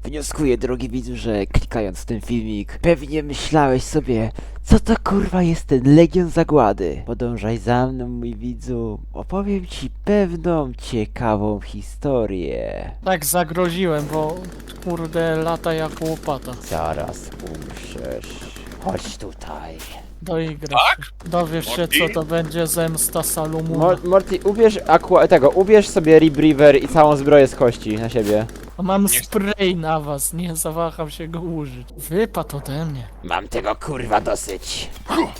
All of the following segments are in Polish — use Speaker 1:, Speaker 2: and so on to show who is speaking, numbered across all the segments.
Speaker 1: Wnioskuję, drogi widzu, że klikając w ten filmik, pewnie myślałeś sobie, co to kurwa jest ten Legion Zagłady. Podążaj za mną, mój widzu, opowiem ci pewną ciekawą historię.
Speaker 2: Tak zagroziłem, bo kurde lata jak łopata.
Speaker 1: Zaraz umrzesz. Chodź tutaj.
Speaker 2: Doigrasz się. Dowiesz się, co to będzie zemsta Salomona.
Speaker 1: Morty, ubierz sobie Rebreather i całą zbroję z kości na siebie.
Speaker 2: Mam spray na was, nie zawaham się go użyć. Wypadł ode mnie.
Speaker 1: Mam tego kurwa dosyć.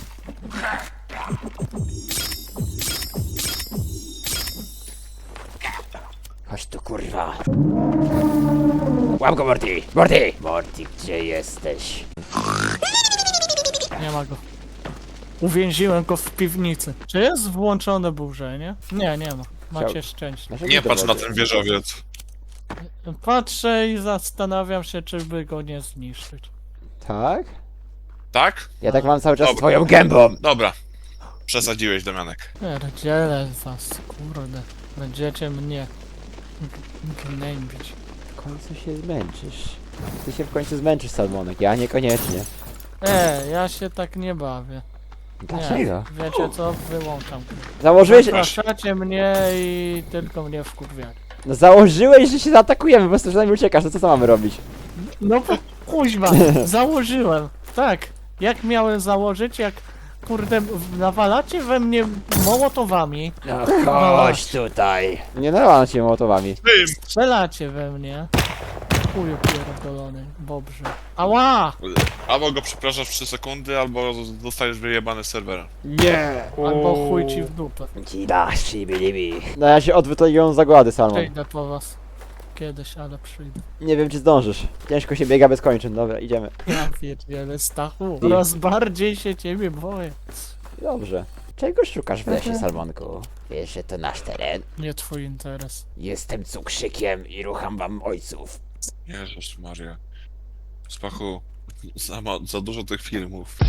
Speaker 1: Chodź tu kurwa. Łap go Morty! Morty! Morty, gdzie jesteś?
Speaker 2: Nie ma go. Uwięziłem go w piwnicy. Czy jest włączone burzenie? Nie, nie ma. Macie szczęście.
Speaker 3: Nie patrz na ten wieżowiec.
Speaker 2: Patrzę i zastanawiam się, czy by go nie zniszczyć.
Speaker 1: Tak?
Speaker 3: Tak?
Speaker 1: Ja tak mam cały czas
Speaker 3: Dobra.
Speaker 1: swoją gębą.
Speaker 3: Dobra. Przesadziłeś, Damianek.
Speaker 2: Pierdzielę was, kurde. Będziecie mnie gnębić.
Speaker 1: W końcu się zmęczysz. Ty się w końcu zmęczysz, Salmonek, ja niekoniecznie.
Speaker 2: Ja się tak nie bawię.
Speaker 1: Dlaczego?
Speaker 2: Nie, wiecie co? Wyłączam.
Speaker 1: Założyłeś...
Speaker 2: Zapraszacie mnie i tylko mnie wkurwiacie.
Speaker 1: No założyłeś, że się zaatakujemy, po prostu przynajmniej uciekasz, to co mamy robić?
Speaker 2: No bo kuźwa, założyłem. Tak, jak miałem założyć, jak kurde nawalacie we mnie mołotowami,
Speaker 1: No chodź tutaj. Nie nawalam cię mołotowami.
Speaker 3: Tym!
Speaker 2: strzelacie we mnie. Chuju pierdolony, bobrze. Ała!
Speaker 3: Albo go przepraszasz w 3 sekundy, albo zostajesz wyjebany z serwera.
Speaker 1: Nie!
Speaker 2: Albo chuj ci w dupę.
Speaker 1: Ci dasz, shibilibi. No ja się odwrócę Legion Zagłady, Salmon.
Speaker 2: Przyjdę po was. Kiedyś, ale przyjdę.
Speaker 1: Nie wiem, czy zdążysz. Ciężko się biega bez kończyn. Dobra, idziemy.
Speaker 2: Ja pierdzielę, Stachu. Coraz bardziej się ciebie boję.
Speaker 1: Dobrze. Czego szukasz w lesie, Salmonku? Wiesz, że to nasz teren.
Speaker 2: Nie twój interes.
Speaker 1: Jestem cukrzykiem i rucham wam ojców.
Speaker 3: Jezus Maria. Spachu, za dużo tych filmów.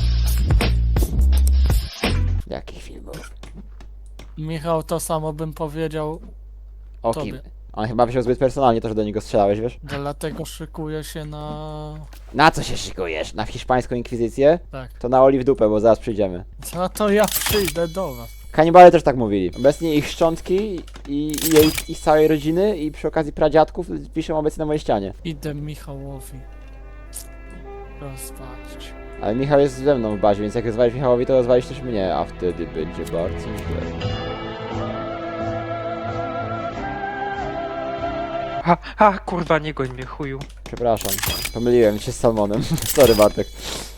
Speaker 1: Jakich filmów?
Speaker 2: Michał, to samo bym powiedział,
Speaker 1: O
Speaker 2: Tobie.
Speaker 1: kim? On chyba wziął zbyt personalnie to, że do niego strzelałeś, wiesz?
Speaker 2: dlatego szykuję się na...
Speaker 1: Na co się szykujesz? Na hiszpańską inkwizycję?
Speaker 2: Tak.
Speaker 1: To na oli w dupę, bo zaraz przyjdziemy.
Speaker 2: No to ja przyjdę do was.
Speaker 1: Kanibale też tak mówili. Obecnie ich szczątki i ich całej rodziny i przy okazji pradziadków piszą obecnie na mojej ścianie.
Speaker 2: Idę Michałowi rozwalić.
Speaker 1: Ale Michał jest ze mną w bazie, więc jak rozwalisz Michałowi, to rozwalisz też mnie, a wtedy będzie bardzo źle.
Speaker 4: Kurwa, nie goń mnie, chuju.
Speaker 1: Przepraszam, pomyliłem się z Salmonem. Sorry, Bartek.